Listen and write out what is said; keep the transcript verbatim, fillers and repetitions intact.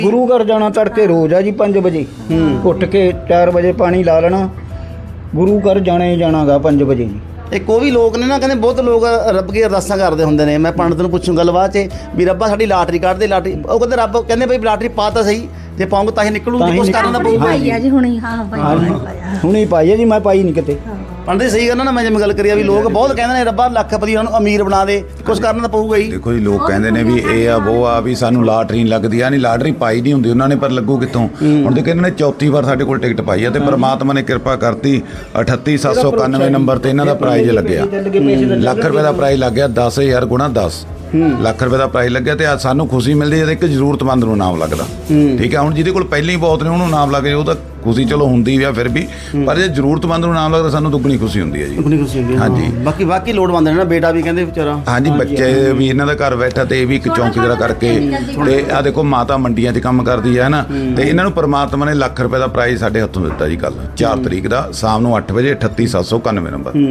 ਗੁਰੂ ਘਰ ਜਾਣਾ ਤੜਕੇ ਰੋਜ਼ ਆ ਜੀ ਪੰਜ ਵਜੇ ਉੱਠ ਕੇ ਚਾਰ ਵਜੇ ਪਾਣੀ ਲਾ ਲੈਣਾ। ਗੁਰੂ ਘਰ ਜਾਣਾ ਹੀ ਜਾਣਾਗਾ ਪੰਜ ਵਜੇ ਜੀ। ਇੱਕ ਉਹ ਵੀ ਲੋਕ ਨੇ ਨਾ, ਕਹਿੰਦੇ ਬਹੁਤ ਲੋਕ ਰੱਬ ਕੀ ਅਰਦਾਸਾਂ ਕਰਦੇ ਹੁੰਦੇ ਨੇ। ਮੈਂ ਪੰਡਤ ਨੂੰ ਪੁੱਛੂ ਗੱਲਬਾਤ 'ਚ ਵੀ ਰੱਬਾ ਸਾਡੀ ਲਾਟਰੀ ਕੱਢ ਦੇ ਲਾਟਰੀ। ਉਹ ਕਹਿੰਦੇ ਰੱਬ ਕਹਿੰਦੇ ਬਈ ਲਾਟਰੀ ਪਾ ਤਾਂ ਸਹੀ, ਜੇ ਪਾਉਂਗੇ ਤਾਂ ਹੀ ਨਿਕਲੂਗੀ, ਕੁਛ ਕਰਨ ਦਾ ਪਊਗਾ। ਪਾਈ ਆ ਜੀ ਹੁਣੀ। ਹਾਂ ਪਾਈ ਹੁਣੇ ਪਾਈ ਆ ਜੀ, ਮੈਂ ਪਾਈ ਨਹੀਂ ਕਿਤੇ। ਪੰਡਤ ਸਹੀ ਗੱਲ ਨਾ, ਮੈਂ ਜਿਵੇਂ ਗੱਲ ਕਰੀ ਆ ਵੀ ਲੋਕ ਬਹੁਤ ਕਹਿੰਦੇ ਨੇ ਰੱਬਾ ਲੱਖਪਤੀ ਉਹਨਾਂ ਨੂੰ ਅਮੀਰ ਬਣਾ ਦੇ, ਕੁਛ ਕਰਨਾ ਤਾਂ ਪਊਗਾ ਹੀ। ਦੇਖੋ ਜੀ, ਲੋਕ ਕਹਿੰਦੇ ਨੇ ਵੀ ਇਹ ਆ ਉਹ ਆ ਵੀ ਸਾਨੂੰ ਲਾਟਰੀ ਨਹੀਂ ਲੱਗਦੀ ਆ, ਨਹੀਂ ਲਾਟਰੀ ਪਾਈ ਨਹੀਂ ਹੁੰਦੀ ਉਹਨਾਂ ਨੇ, ਪਰ ਲੱਗੂ ਕਿੱਥੋਂ। ਹੁਣ ਤੇ ਕਹਿੰਦੇ ਨੇ ਚੌਥੀ ਵਾਰ ਸਾਡੇ ਕੋਲ ਟਿਕਟ ਪਾਈ ਆ ਤੇ ਪ੍ਰਮਾਤਮਾ ਨੇ ਕਿਰਪਾ ਕਰਤੀ। ਅਠੱਤੀ ਸੱਤ ਸੌ ਇਕਾਨਵੇਂ ਨੰਬਰ ਤੇ ਇਹਨਾਂ ਦਾ ਪ੍ਰਾਈਜ਼ ਲੱਗਿਆ। ਲੱਖ ਰੁਪਏ ਦਾ ਪ੍ਰਾਈਜ਼ ਲੱਗ ਗਿਆ। ਦਸ ਹਜ਼ਾਰ ਗੁਣਾ ਦਸ ਲੱਖ ਰੁਪਏ ਦਾ ਪ੍ਰਾਈਜ਼ ਲੱਗਿਆ। ਤੇ ਅੱਜ ਸਾਨੂੰ ਖੁਸ਼ੀ ਮਿਲਦੀ ਹੈ ਇੱਕ ਜ਼ਰੂਰਤਮੰਦ ਨੂੰ ਨਾਮ ਲੱਗਦਾ। ਠੀਕ ਹੈ, ਹੁਣ ਜਿਹਦੇ ਕੋਲ ਪਹਿਲਾਂ ਹੀ ਬਹੁਤ ਨੇ ਉਹਨੂੰ ਨਾਮ ਲੱਗ ਜਾਏ ਉਹ ਤਾਂ ਖੁਸ਼ੀ ਚਲੋ ਹੁੰਦੀ ਆ ਫਿਰ ਵੀ, ਪਰ ਜੇ ਜ਼ਰੂਰਤਮੰਦ ਨੂੰ ਨਾਮ ਲੱਗਦਾ ਸਾਨੂੰ ਦੁੱਗਣੀ ਖੁਸ਼ੀ ਹੁੰਦੀ ਹੈ ਜੀ। ਦੁੱਗਣੀ ਖੁਸ਼ੀ ਹੁੰਦੀ ਹੈ। ਹਾਂਜੀ। ਬਾਕੀ ਬਾਕੀ ਲੋੜਵੰਦ ਨੇ ਨਾ, ਬੇਟਾ ਵੀ ਕਹਿੰਦੇ ਵਿਚਾਰਾ। ਹਾਂਜੀ, ਬੱਚੇ ਵੀ ਇਹਨਾਂ ਦਾ ਘਰ ਬੈਠਾ ਤੇ ਇਹ ਵੀ ਇੱਕ ਚੌਂਕੀਦਾਰ ਕਰਕੇ ਤੇ ਆ ਦੇਖੋ ਮਾਤਾ ਮੰਡੀਆਂ 'ਚ ਕੰਮ ਕਰਦੀ ਹੈ ਨਾ, ਤੇ ਇਹਨਾਂ ਨੂੰ ਪਰਮਾਤਮਾ ਨੇ ਲੱਖ ਰੁਪਏ ਦਾ ਪ੍ਰਾਈਜ਼ ਸਾਡੇ ਹੱਥੋਂ ਦਿੱਤਾ ਜੀ ਕੱਲ ਚਾਰ ਤਰੀਕ ਦਾ ਸ਼ਾਮ ਨੂੰ ਅੱਠ ਵਜੇ। ਅਠੱਤੀ ਸੱਤ ਸੌ ਇਕਾਨਵੇਂ ਨੰਬਰ।